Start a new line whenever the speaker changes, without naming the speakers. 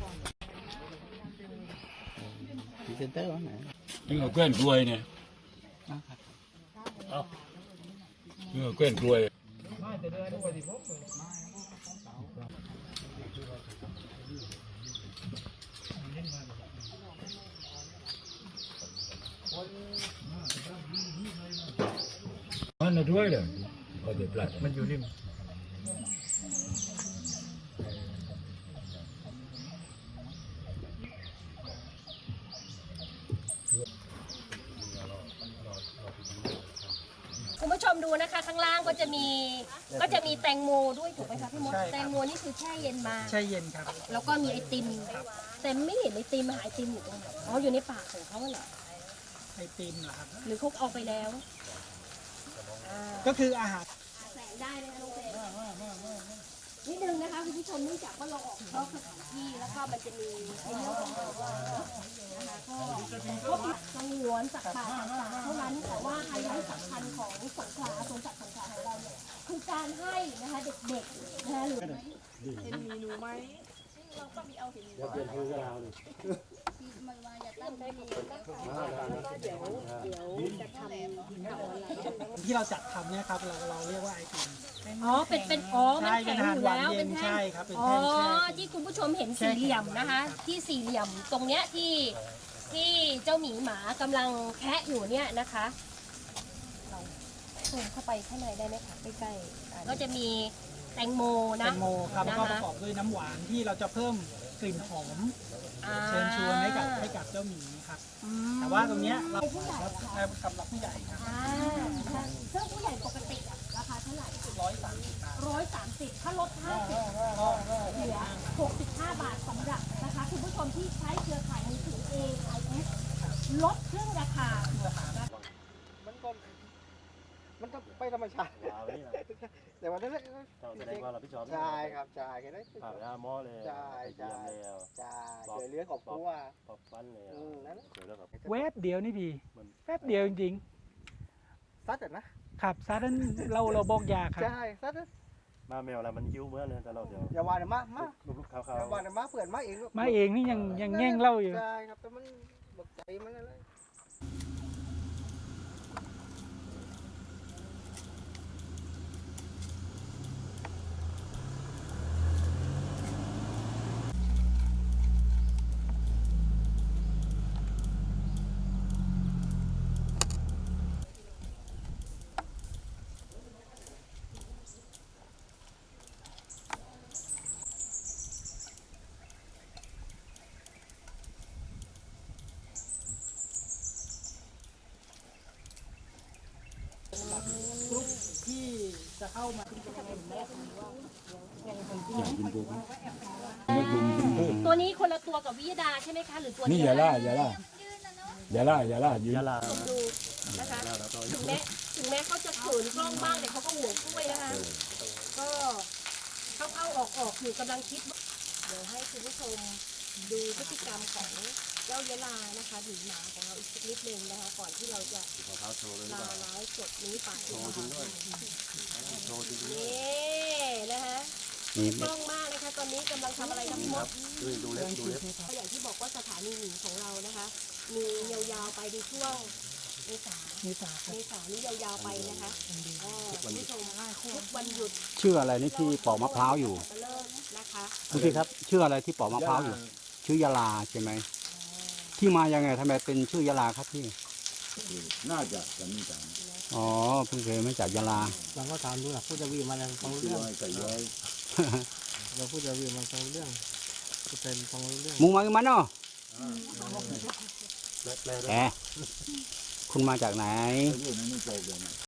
พรีเซนเตอร์วะไหน
นี่ก็แกล้งกล้วยเนี่ยนี่ก็แกล้งกล้วยมันน่ะด้วยเลยก็จะปลัดมันอยู่ริม
คุณผู้ชมดูนะคะข้างล่างก็จะมีแตงโมด้วยถูกไหมคะพี่มดแตงโมนี่คือแช่เย็นมา
แช่เย็นครับ
แล้วก็มีไอติมแต่ไม่เห็นไอติมหาไอติมอยู่ตรงไหนอ๋ออยู่ในปากของเขาเหรอ
ไอติมเหรอครับ
หรือเขาเอาไปแล้ว
ก็คืออาหาร
แสงได้เลยนะน้องเจนิดนึงนะคะคุณผู้ชมเนื่องจากว่าเราออกนอกสถานที่แล้วก็มันจะมีในเรื่องของนะคะก็สงวนสัตว์ป่าต่างๆเท่านั้นแต่ว่าไฮไลท์สำคัญของสงขลาสวนสัตว์สงขลาของเราเนี่ยคือการให้นะคะเด็กๆนะคะหรือเห็นมีหนูไหมเราก็มีเอาเห็นเดี๋ยวเปลี่ยนคือเราเลยมันมาอย่าตั้งใจมีนะคะแล้วก็เดี๋ยวจะทำ
ที่เราจัดทำเนี่ยครับเราเรียกว่าไอติม
อ๋อเป็นมันแข็งอยู่แล้วเป็นแท่ง
ใช่ครับเป็น
อ๋อ
แท่ง
ที่คุณผู้ชมเห็นสี่เหลี่ยมนะคะที่สี่เหลี่ยมตรงเนี้ยที่เจ้าหมีหมากำลังแคะอยู่เนี่ยนะคะเราซูมเข้าไปข้างในได้ไหมคะใกล้ๆก็จะมีแตงโมนะ
แตงโมครับก็ประกอบด้วยน้ำหวานที่เราจะเพิ่มกลิ่นหอมเชิญชวนให้กับเจ้าหมีครับแต่ว่าตรงเนี้ยเราสำหรับผู้ใหญ่ครับ
ซึ่งผู้ใหญ่ปกติราคาเท่าไหร่130ถ้าลด50เหลือ65 บาทสำหรับนะคะคุณผู้ชมที่ใช้เครือข่ายมือถือ AIS ลดครึ่งราคา
มันก็ไปธรรมชาติแต่วันนั้นแสดงว่าเราพี่ชอบใช่ครับใช่แค่นั้นผ่านหม้อเลยใช่ใช่ใช่เจอเลี้ยงของตัวปอบฟันเลยนั่น
เวฟเดียวนี่ดีแป๊บเดียวจริง
ๆซัด
นะครับซัดนั้นเราบอกยาครับ
ใช่ซัดมาแมวอะไรมันยิ้วเมื่อเลยแต่เราเดี๋ยวอย่าว่าเดี๋ยวมาลูกขาวๆอย่าว่าเดี๋ยวมาเปื่อนมาเอง
นี่ยังแง่งเล่าอยู่
ใช่ครับแต่มันบกใจมันอะไร
กรุ๊ปที่จะเข้ามา
ตัวนี้คนละตัวกับวิยดาใช่ไหมคะหรือตัว
นี่อย่าล่าดู
นะคะถึงแม้เขาจะขืนกล้องบ้างแต่เขาก็ห่วงกล้วยนะคะก็เข้าออกอยู่กำลังคิดเดี๋ยวให้คุณผู้ชมดูพฤติกรรมของเจ้ายะลานะคะหรือหมาของเราอีกนิดนึงนะคะก่อนที่เราจะลาไลฟ์สดนี้ไปนี่นะคะกล้องมากนะคะตอนนี้กำลังทำอะไรทั้งหมดดูเล็บอย่างที่บอกว่าสถานีหนีของเรานะคะมียาวๆไปในช่วงเมษานี่ยาวๆไปนะคะคุณผู้ชมทุกวันหยุด
ชื่ออะไรนี่ที่ปอกมะพร้าวอยู่
นะคะ
พี่ครับชื่ออะไรที่ปอกมะพร้าวอยู่ชื่อยาลาใช่ไหมที่มายังไงทำไมเป็นชื่อยาลาครับพี่
น่าจะกันนี่จัง
อ๋อเพิ่งเคยมาจากยาลา
เราก็ถามดูนะผู้จะวีมันฟังเรื่องเราผู้จะวีมันฟังเรื่องเป็นฟังเรื่อง
มุงมามันเนาะแหมคุณมาจากไหน